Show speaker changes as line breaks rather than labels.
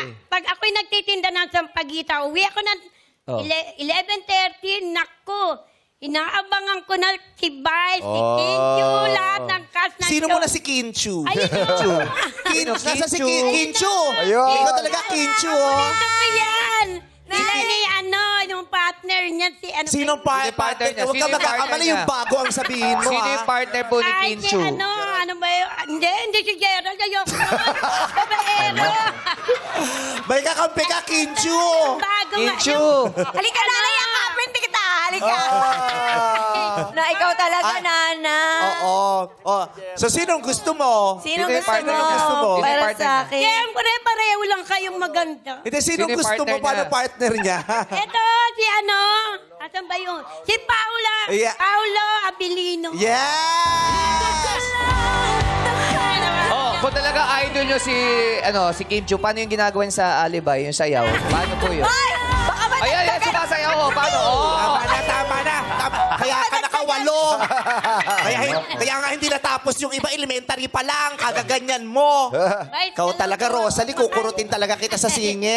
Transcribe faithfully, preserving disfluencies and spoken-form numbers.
pag ako'y nagtitinda ng sampagita, uwi ako ng
Oh.
eleven thirty, naku, inaabangan ko na si Vice, si
Oh.
Kinju, lahat ng cast na
Sino
ito.
mo na si Kinchu?
Ayun,
Kinchu.
oh.
Kinchu. Nasa si
Kinchu?
Kin- Kinchu.
Ayun.
Ikaw talaga Kinchu, oh.
Ito ko yan. Sila ni ano, yung partner niya, si ano.
Sinong
Sino
pa-
partner
partner?
niya?
Huwag
Sino
ka
yung partner
magkakamali
niya?
yung bago ang sabihin mo,
Sino
ha?
yung partner po ni
Ay, si
Kinchu?
ano, ano ba yun? Hindi, hindi si Gerald. Ayoko nun. Babaero.
May kakampi ka, Kinchu.
Bago nga.
Kinchu.
yung-
Halika na,
Ano?
yakapin kita. Halika.
Ah.
Na ikaw talaga,
Ay.
Nana.
Oo. Oh. So, sinong gusto mo?
Sino
Sino yung
gusto
partner
mo?
niya?
Gusto mo?
Sino yung
Para
partner
sa
niya?
akin.
Siyempre, pareho lang kayong maganda.
Hindi, sinong
Sino yung
gusto mo?
partner
Paano
niya?
partner niya?
Ito, si ano? Asan ba yun? Si Paula.
Yeah.
Paulo Abilino.
Yes!
Oh, kung talaga idol nyo si, ano, si Kim Chu, paano yung ginagawa niya sa alibay, yung sayaw? Paano po yun?
Ay! Baka ba
Ay, ay, ay, sumasayaw ko. Paano? Oh.
Tama na, tama na. Tama. Kaya ka nakawalo. kaya, hin- kaya nga hindi natapos yung iba, elementary pa lang. Kagaganyan mo.
Right,
Ikaw
ano
talaga,
po?
Rosalie, kukurutin talaga kita sa singit.